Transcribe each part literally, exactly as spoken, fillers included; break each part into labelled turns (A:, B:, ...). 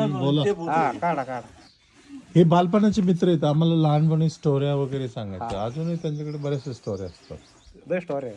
A: बोला.
B: हा काढा काढा.
A: हे बालपणाचे मित्र आहेत. आम्हाला लहानपणी स्टोऱ्या वगैरे सांगायच्या. अजूनही त्यांच्याकडे बऱ्याचशा स्टोऱ्या असतात.
B: बेस्ट स्टोरी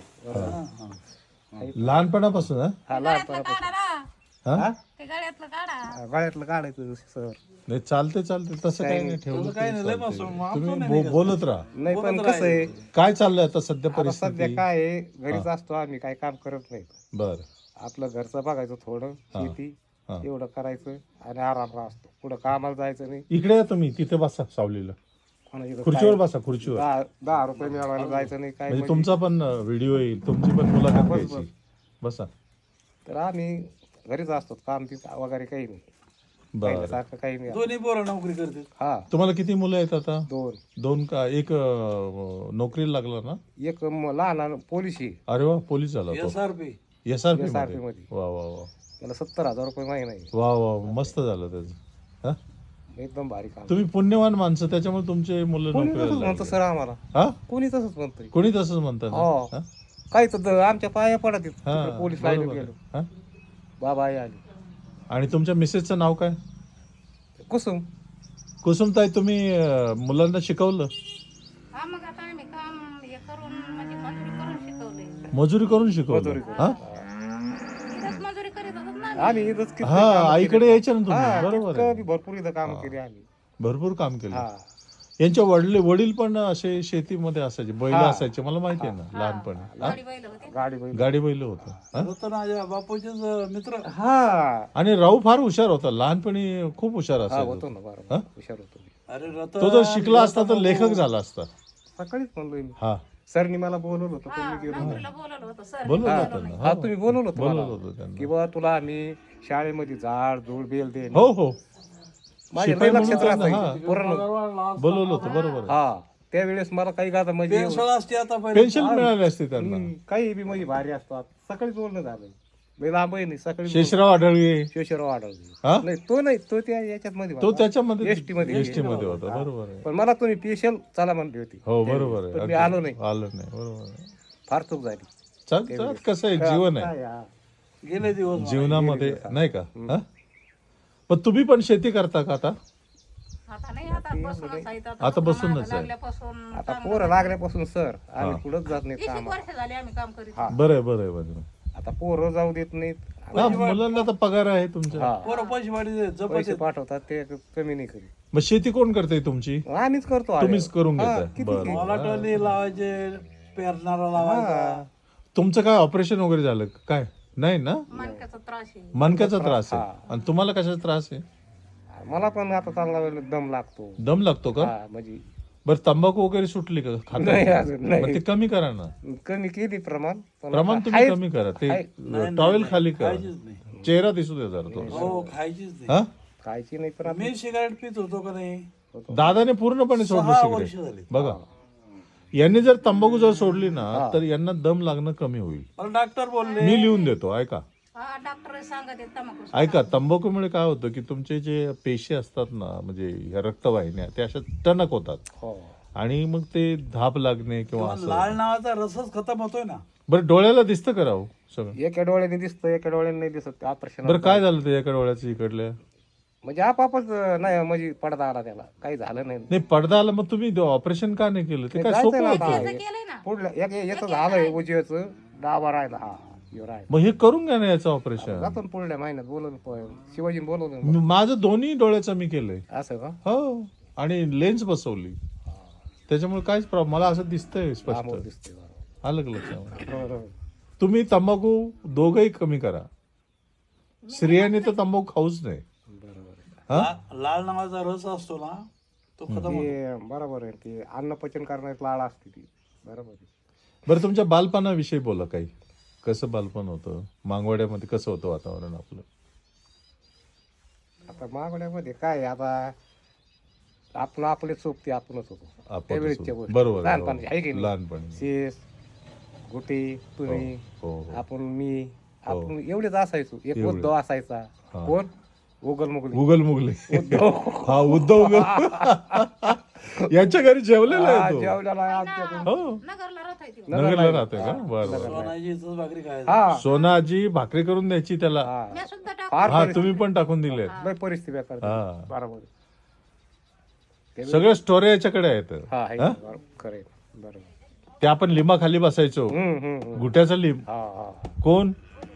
B: आहे.
A: लहानपणापासून हा?
B: हा लहानपणापासून
A: हा?
C: ते गळ्यातलं काढा.
B: गळ्यातलं काढायचं सर.
A: नाही चालते चालते तसं काही नाही ठेवलं तरी चालतंय. तुम्ही बो- बोलत राहा.
B: नाही पण कसं आहे
A: काय चाललंय आता सध्या
B: आता
A: परिस्थिती?
B: सध्या काय आहे घरीच असतो आम्ही, काही काम करत नाही.
A: बर
B: आपलं घरचं बघायचं थोडं, शेती
A: हा.
B: एवढं करायचं आणि आराम असतो. पुढं कामाला जायचं नाही.
A: इकडे या तुम्ही, तिथे बसा सावलीला.
B: कोणाची इथं
A: खुर्चीवर
B: काय-
A: बसा, खुर्चीवर.
B: दहा दहा रुपये मिळवायला जायचं नाही काय
A: म्हणजे
B: म्हणजे.
A: तुमचा पण व्हिडिओ येईल, तुमची पण मुलाखत घ्यायची. बसा.
B: तर आम्ही घरीच असतो, काम ती वगैरे काही नाही.
A: बर
B: पहिल्यासारखं काही नाही.
D: दोन्ही पोरं नोकरी करते.
B: हा
A: तुम्हाला किती मुलं आहेत आता?
B: दोन.
A: दोन का एक? अं, नोकरीला लागला ना?
B: एक म- लहान पोलीस आहे,
A: अरे वा, पोलीस झाला तो.
D: S R P
A: S R P
B: S R
A: मध्ये.
B: पी मध्ये.
A: वा वा वा
B: त्याला सत्तर हजार रुपये महिना आहे.
A: वा वा, मस्त झालं त्याचं. हा?
B: एकदम भारी काम.
A: तुम्ही पुण्यवान माणसं, त्याच्यामुळे तुमचे मुलं
B: कोणी
A: नोकरीला
B: तसंच म्हणतं
A: लागले.
B: सर आम्हाला.
A: हा?
B: कोणी तसंच म्हणतंय.
A: कोणी तसंच म्हणतात
B: हो.
A: ना?
B: काही तर द- आमच्या पाया पडत आहेत.
A: हा,
B: तिकडे पोलीस लाईन
A: बरोबर आहे.
B: गेलो,
A: हा?
B: बाबा आई आली.
A: आणि तुमच्या मिसेसचं नाव काय?
B: कुसुम.
A: कुसुमताई, तुम्ही अं, मुलांना शिकवलं?
C: हा मग आता आम्ही काम हे करून म्हणजे मजुरी करून शिकवले.
A: मजुरी करून शिकवलं?
B: मजुरी करून.
A: हा?
C: इथंच मजुरी करीत होतो ना आम्ही.
B: आम्ही इथंच किती
A: हा,
B: कामं
A: आईकडे
B: केली.
A: यायचे ना तुम्ही.
B: हा,
A: बरोबर
B: तितकं
A: आहे.
B: बी भरपूर इथं काम केली आम्ही.
A: भरपूर काम केलं.
B: हा
A: यांच्या वडील वडील पण असे शेतीमध्ये असायचे, बैल
B: हा.
A: असायचे, मला माहिती आहे ना लहानपणी.
C: गाडी बैल होते.
B: गाडी बैल.
A: गाडी बैल होतं. हा?
D: रतनाच्या बापूचेच मित्र.
B: हा
A: आणि राहू फार हुशार होता, लहानपणी खूप हुशार
B: हा
A: असायचा.
B: होतो ना बरोबर. हुशार होतो मी.
D: अरे रतन
A: तो जर शिकला असता तर लेखक झाला असता.
B: सकाळीच म्हणलोय मी.
A: हा,
B: सरनी मला बोलवलं होतं पण
C: हा,
B: मी गेलो.
C: नोकरीला बोलवलं होतं सर.
A: बोलवलं होतं ना.
B: हा तुम्ही बोलवलं होतं
A: बोलवलं
B: मला.
A: होतं त्यांना.
B: की बा तुला आम्ही शाळेमध्ये झाड झुड बेल दे.
A: हो हो,
B: माझ्या
A: शिपाई
B: लई लक्षात
A: म्हणून त्यांना,
B: राहायचं. पूर्ण.
A: बोलवलं होतं. बरोबर आहे.
B: हा त्यावेळेस मला काही गाता म्हणजे
D: पेन्शन असते आता पहिले.
A: पेन्शन मिळाली असते त्यांना.
B: हम्म, काही बी म्हणजे भारी असतात. सकाळीच बोलणं झालं. मी लांब आहे नाही सकाळी.
A: शेषराव आढळगे.
B: शेषराव आढळले.
A: हा?
B: नाही तो नाही, तो त्या याच्यात मध्ये
A: तो
B: होता.
A: त्याच्यामध्ये
B: एसटी मध्ये.
A: एसटी मध्ये होता. बरोबर आहे.
B: पण मला तुम्ही स्पेशल चला म्हणली होती.
A: हो बरोबर आहे.
B: पण मी
A: अगदी.
B: आलो नाही.
A: आलो नाही. बरोबर आहे.
B: फार चूक झाली.
A: चाल चाल, कसं आहे, जीवन आहे.
B: काय हा.
D: गेले दिवस.
A: जीवनामध्ये नाही का? हा? पण तुम्ही पण शेती करता का आता?
C: आता नाही, आता बसूनच आहे.
A: आता बसूनच आहे.
C: लागल्यापासून
B: आता पोरं लागल्यापासून सर आम्ही पुढंच जात नाही
C: वीस एक
B: काम.
C: वर्ष झाली आम्ही काम करीत.
A: बरं आहे, बरं आहे, बरं आहे.
B: आता पोरं जाऊ देत नाहीत.
A: हा, मुलांना तर पगार आहे तुमच्या.
B: हा.
D: पोरं पैसे वाढी जपत
B: पैसे पाठवतात ते कमी नाही करीत.
A: मग शेती कोण करते तुमची?
B: आम्हीच करतो आले.
A: तुम्हीच करून
B: हा,
A: घेताय.
B: किती
A: बरं.
B: किती.
D: मला टोली लावायचे, पेरणारा लावायचा.
A: तुमचं काय ऑपरेशन वगैरे झालं का? काय नाही ना?
C: मणक्याचा त्रास आहे.
A: मनक्याचा त्रास आहे. आणि तुम्हाला कशाचा त्रास आहे?
B: मला पण आता चांगला वेळ दम लागतो.
A: दम लागतो का?
B: हा म्हणजे
A: बरं, तंबाखू वगैरे सुटली का? खाता?
B: नाही अजून
A: मग
B: नाही.
A: ते कमी करा ना.
B: कमी केली प्रमाण. पण
A: प्रमाण
B: आता
A: तुम्ही
B: आहेच.
A: कमी करा. ते
D: नाही,
A: टॉवेल
D: नाही,
A: खाली करा.
D: खायचीच नाही.
A: चेहरा दिसू दे जरा तो.
D: हो खायचीच नाही.
A: हा?
B: खायची नाही पण आता
D: मी सिगारेट पित होतो का नाही.
A: दादाने पूर्णपणे सोडलं
D: सहा वर्ष
A: सिगरेट.
D: झाली.
A: बघा, यांनी जर तंबाखू जर सोडली ना तर यांना दम लागणं कमी होईल.
D: मला डॉक्टर बोलले
A: मी लिहून देतो, ऐका.
C: हा डॉक्टर सांगत आहेत तंबाखू.
A: ऐका, तंबाखूमुळे काय होतं की तुमचे जे पेशी असतात ना, म्हणजे या रक्तवाहिन्या, त्या अशा टणक होतात
B: हो.
A: आणि मग ते धाप लागणे किंवा
D: पण
A: असं.
D: लाल नावाचा रसच खतम होतोय ना.
A: बरं, डोळ्याला दिसतं का राव सगळं?
B: एका डोळ्याने दिसतं एका डोळ्याने नाही दिसत. ऑपरेशन
A: बरं, काय झालं ते एका डोळ्याचं इकडल्या?
B: म्हणजे आपापच नाही म्हणजे पडदा आला त्याला, काही झालं नाही.
A: नाही, पडदा आला, मग तुम्ही ऑपरेशन का नाही केलं? ते काय
B: जायचं
A: सोपं
B: ना
A: होतं.
B: आता.
C: केलंय ना.
B: पुढलं एक याचं झालंय उजव्याचं, डावा राहिला. हा ह्यो राहिला.
A: मग हे करून घ्या ना याचं ऑपरेशन.
B: जातो ना पुढल्या महिन्यात. बोलवलं शिवाजीने बोलवलं.
A: माझं दोन्ही डोळ्याचं मी केलंय.
B: असं का?
A: हो, आणि लेन्स बसवली, त्याच्यामुळे काहीच प्रॉब्लेम. मला असं दिसतंय स्पष्ट.
B: आमोर दिसते बरोबर.
A: आलं का लक्षात?
B: बरोबर.
A: तुम्ही तंबाखू दोघंही कमी करा. स्त्रियांनी तर तंबाखू खाऊच नाही.
B: बरोबर आहे.
A: हा?
D: ला- लाल नावाचा रस असतो ना, तो खतम होतो.
B: ते बरोबर आहे. ते अन्न पचन करण्यात लाळ असते ती. बरोबर आहे.
A: बरं, तुमच्या बालपणाविषयी बोला काही. कसं बालपण होतं? मागवाड्यामध्ये कसं होतं वातावरण आपलं?
B: आता मागण्यामध्ये काय आहे, आता आपण आपले सोबती आपणच होतो
A: आपण
B: त्यावेळेसच्या गोष्टी.
A: बरोबर आहे,
B: लहानपणी आहे की
A: हो.
B: नाही?
A: लहानपणी.
B: शेष गुटी तुम्ही
A: हो हो.
B: आपण मी आपण एवढेच असायचो. एक
A: एवढे.
B: उद्धव असायचा. कोण? उगल मुगल
A: गुगल मुगले.
B: उद्धव.
A: हा, उद्धव उगल. यांच्या घरी जेवलेला
B: हा,
A: आहे तो.
B: जेवलेला आहे आमच्याकडून.
A: हो,
C: नगरला राहत आहे ती.
A: नगरला राहतोय का? बरं बरं.
D: सोनाची इथंच भाकरी खायची.
B: हा
A: सोनाजी भाकरी करून द्यायची त्याला.
B: हा.
C: मी सुद्धा
B: फार
A: हा
B: परिस्थिती-
A: तुम्ही पण टाकून दिले
B: लय परिस्थिती बेकार
A: हा.
B: बरोबर
A: सगळ्या स्टोऱ्या याच्याकडे आहेत
B: हा आहे
A: हा?
B: बरोबर खरंय बरोबर
A: ते आपण लिंबा खाली बसायचो
B: हम्म हम्म हम्म.
A: गुट्याचा लिंब
B: हा हा
A: कोण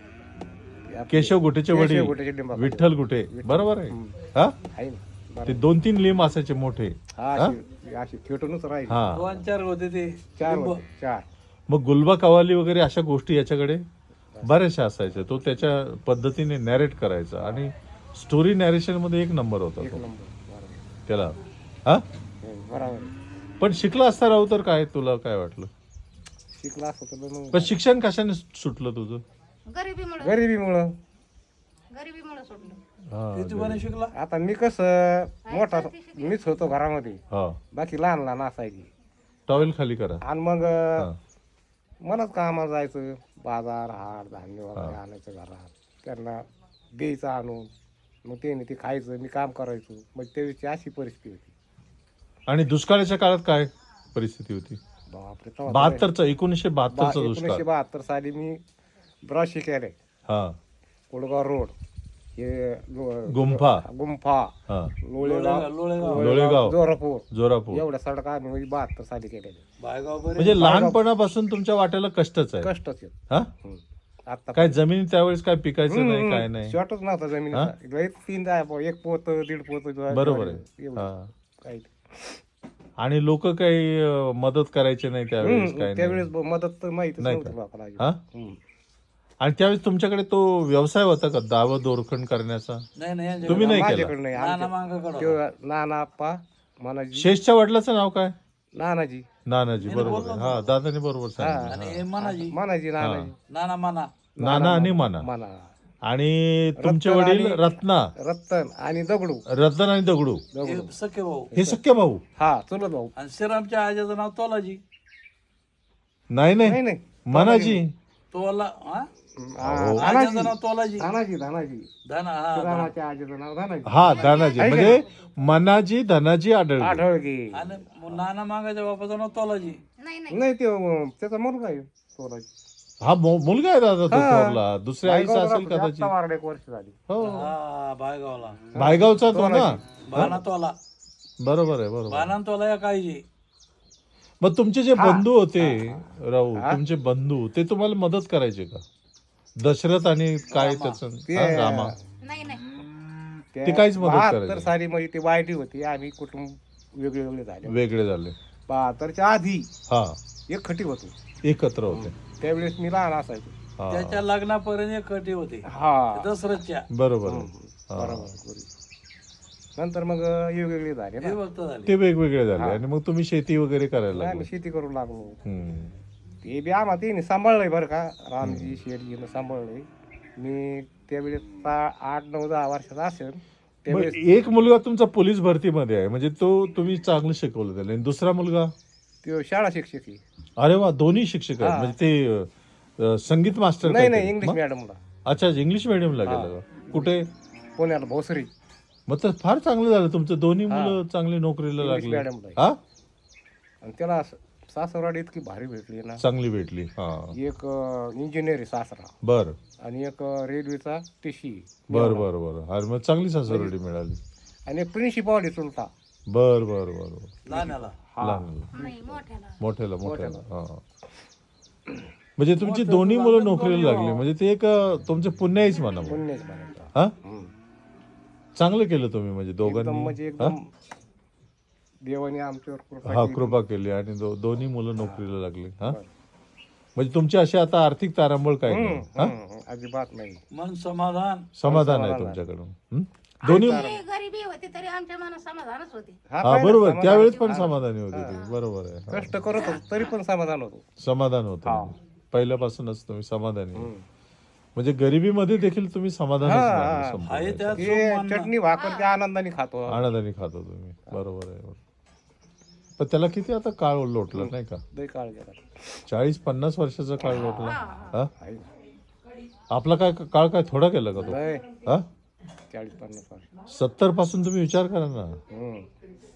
B: आपले-
A: केशव गुटेचे वडील
B: केशव गुटेचे लिंबाखाली.
A: विठ्ठल गुटे बरोबर आहे हा
B: आहे ना बरोबर.
A: ते दोन तीन लिंब असायचे मोठे
B: हा
A: हा?
B: अशी अशी खेटूनच राहील
A: हा
D: दोन चार होते ते
B: चार
D: लिंब.
B: होते, चार
A: मग गुलबा कवाली वगैरे अशा गोष्टी याच्याकडे बऱ्याचशा असायच्या तो त्याच्या पद्धतीने नॅरेट करायचा आणि स्टोरी नॅरेशन मध्ये एक नंबर होता
B: एक
A: तो
B: नंबर बरोबर
A: त्याला हा
B: हम्म, बरोबर आहे.
A: पण शिकला असता राहू तर काय तुला काय वाटलं
B: शिकला असं तर मग
A: पण शिक्षण कशाने सुटलं तुझं
C: गरिबीमुळे
B: गरिबीमुळं
C: गरिबीमुळे सोडलं
A: हा
D: किती पण शिकला
B: आता मी कसं मोठा मीच होतो घरामध्ये
A: हा
B: बाकी लहान लहान असायची
A: टॉवेल खाली करा
B: आणि मग
A: हा
B: मलाच कामाला जायचं बाजार हाट धान्य वगैरे आणायचं घरात त्यांना द्यायचं आणून मग त्याने ते खायचं मी काम करायचो मग त्यावेळेची अशी परिस्थिती होती
A: आणि दुष्काळाच्या काळात काय परिस्थिती होती
B: बापरे तेव्हा तर
A: बहात्तरचा एकोणीसशे
B: बा-
A: बहात्तरचा दुष्काळ
B: एकोणीसशे बहात्तर साली मी ब्रश केले
A: हा
B: कोळगाव रोड हे लो-
A: गुंफा
B: गुंफा
A: हा
B: लोळेगाव
D: लोळेगाव
A: लोळेगाव
B: जोरापूर
A: जोरापूर
B: एवढ्या सडका आम्ही म्हणजे बहात्तर साली केलेले
D: बायगाव बरे
A: म्हणजे लहानपणापासून तुमच्या वाट्याला कष्टच आहे
B: कष्टच आहेत
A: हा
B: हम्म. आता
A: काय जमीन त्यावेळेस काय पिकायचं नाही काय नाही
B: शॉर्टच नव्हता जमिनीचा लय तीन जाय एक पोत दीड पोत ज्वारी-
A: बरोबर आहे
B: एवढं.
A: हा
B: काही
A: आणि लोक काही अं, मदत करायचे नाही त्यावेळेस काय नाही
B: त्यावेळेस ब- मदत तर माहितीच
A: नाही
B: नव्हती
A: का?
B: लोकांना
A: हा
B: हम्म.
A: आणि त्यावेळेस तुमच्याकडे तो व्यवसाय होता का दाव दोरखंड करण्याचा
D: नाही नाही यांच्याकडे.
A: तुम्ही नाही केला
B: माझ्याकडे नाही
D: नाना
B: आमच्या-
D: मांगाकडं
B: त्यो नाना आप्पा मानाजी
A: शेषच्या वडिलाचं नाव काय
B: नानाजी
A: नानाजी बरोबर आहे हा दादाने बरोबर सांगितलं
D: आणि हे मनाजी
B: मानाजी नानाजी
D: नाना माना
A: नाना आणि माना
B: माना
A: आणि तुमचे
B: रत्न
A: वडील
B: आणि-
A: रत्ना
B: रत्तन आणि दगडू
A: रतन आणि दगडू
B: दगडू
D: हे सख्खे भाऊ
A: हे सख्य भाऊ
B: हा चुलत भाऊ
D: आणि श्रीरामच्या आजीचं नाव तोलाजी
A: नाही
B: नाही
A: नाही
B: नाही
A: मनाजी
D: तोला हा
B: हा,
D: आजीचं
B: धानाजी
D: नाव तोलाजी
B: धानाजी धानाजी
D: धना हा
B: रामाच्या आजीचं नाव धानाजी
A: हा धनाजी म्हणजे मनाजी धनाजी आढळले
B: आढळगे
D: आणि मग नाना मागाच्या बापाचं नाव तोलाजी
C: नाही नाही
B: नाही ते अं, त्याचा मुलगा आहे तोराजी
A: हा मु- मुलगा आहे दादा तो
B: हा.
A: थोरला दुसऱ्या आईचा असेल कदाचित
B: वारडे एक वर्ष झाली
A: हो
D: हा बायगावला
A: भायगावचा तो ना
D: बाना तोला
A: बरोबर आहे बरोबर
D: बाना तोला या काहीजी
A: मग तुमचे जे बंधू होते राहू तुमचे बंधू ते तुम्हाला मदत करायचे का दशरथ आणि काय त्याचं हा, रामा
C: नाही नाही
A: ते काहीच मदत
B: बहात्तर
A: करायचे
B: साली म्हणजे ती वाईटी होती आम्ही कुटुंब वेगळे वेगळे झाले
A: वेगळे झाले
B: बहात्तरच्या आधी
A: हा
B: एक खटी होतो
A: एकत्र होते
B: त्यावेळेस मी लहान असायचो
A: हा
D: त्याच्या लग्नापर्यंत एक कटी होती
B: हा
D: दसरथच्या
A: बरोबर आहे.
B: बरोबर बरोबर. नंतर मग वेगवेगळे झाले ना
D: हे भक्त झाले
A: ते वेगवेगळे झाले आणि मग तुम्ही शेती वगैरे करायला
B: आम्ही
A: लागले
B: शेती करू लागलो
A: हम्म.
B: ते बी आम्हाला तिने सांभाळलंय बरं का रामजी शेठजीनं सांभाळलंय मी त्यावेळेस सा- आठ नऊ दहा वर्षाचा असेल
A: मग
B: त्यावेळेस
A: एक मुलगा तुमचा पोलीस भरतीमध्ये आहे म्हणजे तो तुम्ही चांगलं शिकवलं त्याला आणि दुसरा मुलगा
B: तो शाळा शिक्षक आहे.
A: अरे वा दोन्ही शिक्षक आहेत म्हणजे ते अं, संगीत मास्टर
B: नाही
A: काहीतरी.
B: नाही इंग्लिश
A: मग?
B: मॅडमला
A: अच्छा इंग्लिश मिडियमला गेलं का? कुठे
B: पुण्याला भोसरी
A: मग तर फार चांगलं झालं तुमचं दोन्ही मुलं चांगली नोकरीला
B: इंग्लिश
A: लागली
B: मॅडमला आहे.
A: हा
B: आणि त्याला सासरवाडी इतकी भारी भेटली ना
A: चांगली भेटली हा
B: एक इंजिनियर आहे सासरा
A: बर
B: आणि एक रेल्वेचा टीसी
A: बर बर बर अरे मग चांगली सासरवाडी मिळाली
B: आणि एक प्रिन्सिपॉल आहे चुलता
A: बर बर बर बर.
D: लहान्याला
A: लहान
C: नाही मोठ्याला
A: मोठ्याला मोठ्याला हा म्हणजे तुमची दोन्ही मुलं नोकरीला लागली म्हणजे ते एक अं, तुमचं पुण्य आहेच म्हणा मग.
B: पुण्यच म्हणायचा
A: हा
B: हम्म.
A: चांगलं केलं तुम्ही म्हणजे
B: एकदम
A: दोघांनी
B: म्हणजे एकदम देवाने आमच्यावर कृपा
A: हा
B: केली.
A: कृपा केली आणि दो- दोन्ही मुलं नोकरीला लागली हा म्हणजे तुमची अशी आता आर्थिक तारांबळ काय नाही हा
B: हम्म, अजिबात नाही
D: मन समाधान
A: समाधान आहे तुमच्याकडून हं? दोन्ही
C: आमची गरिबी होती तरी आमच्या मनात समाधानच होते
A: हा
B: पहिलं
A: बरोबर
B: समाधान-
A: त्यावेळेस पण समाधानी होते ते बरोबर आहे हा.
B: कष्ट करत होतो तरी पण समाधान होतो
A: समाधान होतं पहिल्यापासूनच तुम्ही समाधानी आहे. म्हणजे गरिबीमध्ये देखील तुम्ही समाधानच मानलं संपूर्ण.
D: आहे त्यात
B: ते चटणी भाकर त्या आनंदाने खातो
A: आनंदाने खातो तुम्ही बरोबर आहे बरोबर. पण त्याला किती आता काळ लोटला नाही का
B: लय काळ गेला
A: चाळीस पन्नास वर्षाचा काळ लोटला हा
B: आहे.
A: आपला काय काळ काय थोडा केला का तो
B: लय
A: हा
B: चाळीस पन्नास वर्ष
A: सत्तर पासून तुम्ही विचार करा ना
B: हम्म.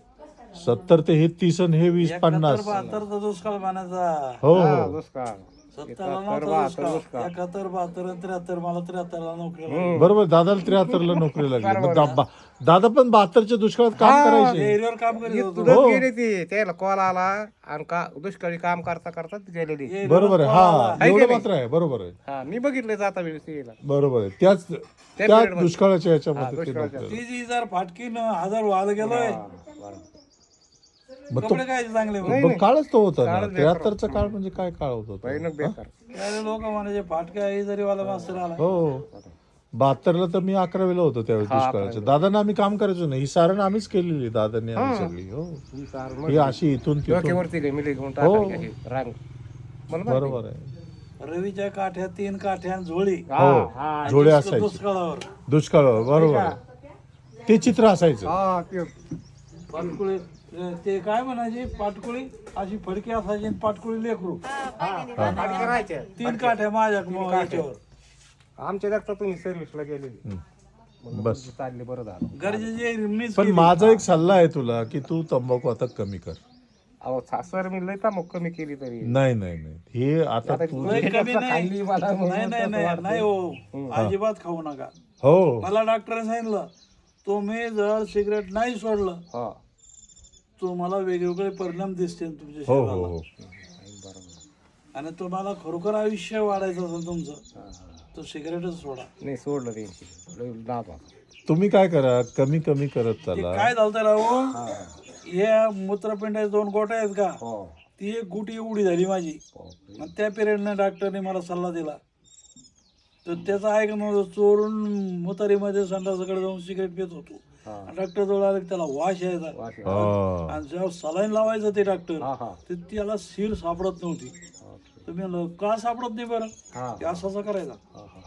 A: सत्तर ते हे तीस आणि हे वीस पन्नास
D: बहात्तरचा दुष्काळ पाण्याचा
A: हो
B: हा,
A: हो
B: दुष्काळ
D: सत्तरला
B: एकाहत्तर,
D: नव्हता
B: बहात्तर,
D: दुष्काळ.
B: दुष्काळ.
D: एकाहत्तर बहात्तर आणि त्र्याहत्तर मला त्र्याहत्तरला नोकरी लागली.
A: बरोबर दादाला त्र्याहत्तरला नोकरी लागली मग दा- बा- दादा पण बहात्तरच्या दुष्काळात काम
B: हा.
A: करायचे
D: एरियावर काम करीत होतो.
B: इथूनच
A: हो.
B: गेले ते त्याला कॉल आला आणि का दुष्काळी काम करता करता ती गेलेली
D: एरियावर
A: बरोबर आहे
D: call आला.
A: हा
B: आहे की
A: एवढं
B: नाही?
A: मात्र आहे बरोबर आहे
B: हा मी बघितलं जाता वेळेस यायला
A: बरोबर आहे त्याच त्या
B: period मध्ये.
A: दुष्काळाच्या
B: हा,
A: याच्यामध्ये ते
B: दुष्काळाच्या.
A: नोकरी
D: ती जी जर फाटकीन हजार व्हायला गेलोय
B: हा, बरोबर.
A: मग तो
D: कपडे काय चांगले
B: नाही,
A: मग काळच तो होता ना
B: काळच बेकार
A: त्र्याहत्तरचा काळ म्हणजे काय काळ होता तो?
B: भयानक बेकार
D: लोक म्हणायचे फाटक्या आई जरी वाला मास्तर आला
A: हो बहात्तरला तर मी अकरावीला होतो त्यावेळेस दुष्काळाच्या दादांना आम्ही काम करायचो नाही ही सारण आम्हीच केलेली दादांनी आम्ही सगळी हो
B: ही सार मग
A: ही अशी इथून तिथून
B: डोक्यावरती घे, मिली घेऊन
A: हो.
B: टाकायची अशी रांग मला माहिती.
A: बरोबर आहे
D: रवीच्या काठ्या तीन काठ्या झोळी
B: हा,
A: हो
B: हा,
A: जोडे असायचे
D: दुष्काळावर
A: दुष्काळ बरोबर आहे. ते चित्र असायचं
B: हा, ते
D: पाटकुळी ते काय म्हणायचे पाटकुळी अशी फडकी असायची आणि पाटकुळी लेकरू
B: फाटके राहायचे.
D: तीन काठ्या माझ्या म- याच्यावर
B: आमच्या देखता तुम्ही सर्व्हिसला गेलेली
A: हम्म. बस
B: चालले बरं झालं
D: गरजेचे मीच
A: पण
D: केली.
A: माझा एक सल्ला आहे तुला की तू तंबाखू आता कमी कर
B: अहो सर मी लय मग कमी केली तरी
A: नाही नाही नाही हे आता तू
D: लय कमी नाही
B: खाल्ली मला म्हणून
D: नाही नाही नाही नाही हो अजिबात खाऊ नका
A: हो
D: मला डॉक्टरने सांगितलं तुम्ही जर सिगरेट नाही सोडलं
B: हा
D: तुम्हाला वेगवेगळे परिणाम दिसतील तुमच्या
A: हो हो
D: शरीराला
A: हो
D: आणि तुम्हाला खरोखर आयुष्य वाढायचं असेल तुमचं तर सिगरेटच सोडा
B: नाही सोडलं त्यांची लय नाद होता.
A: तुम्ही काय करा कमी कमी करत
D: ते
A: चाला
D: काय झालं राहू या मूत्रपिंडाचे दोन गोट्या आहेत का
B: हो
D: ती एक गुटी एवढी झाली माझी आणि त्या पिरियडने डॉक्टरने मला सल्ला दिला तर त्याचा ऐक नव्हतं चोरून मुतारीमध्ये संडासाकडे जाऊन सिगरेट पित होतो डॉक्टर जवळ आले की त्याला वास यायचा
B: वाशी.
A: हा.
D: आणि जेव्हा सलाईन लावायचं ते डॉक्टर
B: हा हा
D: तर त्याला सीर सापडत नव्हती तर मी म्हणलं का सापडत नाही बरं
B: हा
D: ते असं असं करायचा
B: हा हा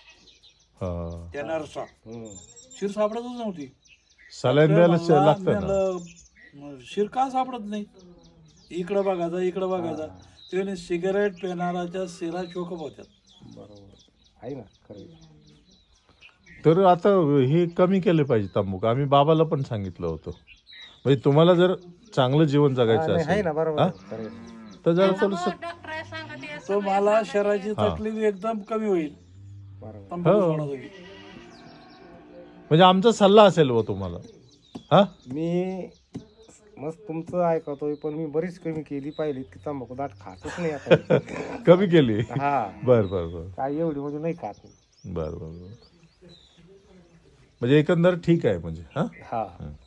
A: हा.
D: त्या नर्सचा
B: हम्म.
D: शिर सापडतच नव्हती
A: सलाईन द्यायला श-
D: मला-
A: लागतं
D: मी
A: ना
D: म्हणलं, मग शिर का सापडत नाही इकडं बघायचा इकडं बघायचा त्याने सिगारेट पेनाराच्या शिरा चोकप होत्या
B: बरोबर आहे ना खरं
A: तर आता हे कमी केले पाहिजे तंबाखू आम्ही बाबाला पण सांगितलं होतं म्हणजे तुम्हाला जर चांगलं जीवन जगायचं
B: आहे
A: असेल
B: ना बरोबर
A: हा?
B: आहे, खरं आहे.
A: तर जरा थोडस
C: डॉक्टर सांगत आहे,
D: तो मला शरीराची तकलीफ एकदम कमी होईल
B: बरोबर
D: तंबाखू
A: हो.
D: सोडा तुम्ही.
A: म्हणजे आमचा सल्ला असेल व तुम्हाला हा
B: मी मस्त तुमचं ऐकतोय पण मी बरीच कमी केली पाहिली की तंबाखू दाट खातच नाही आता
A: कमी केली
B: हा
A: बर बर बर
B: काय एवढी म्हणजे नाही खात
A: बर बर बर म्हणजे एकंदर ठीक आहे म्हणजे हा
B: हा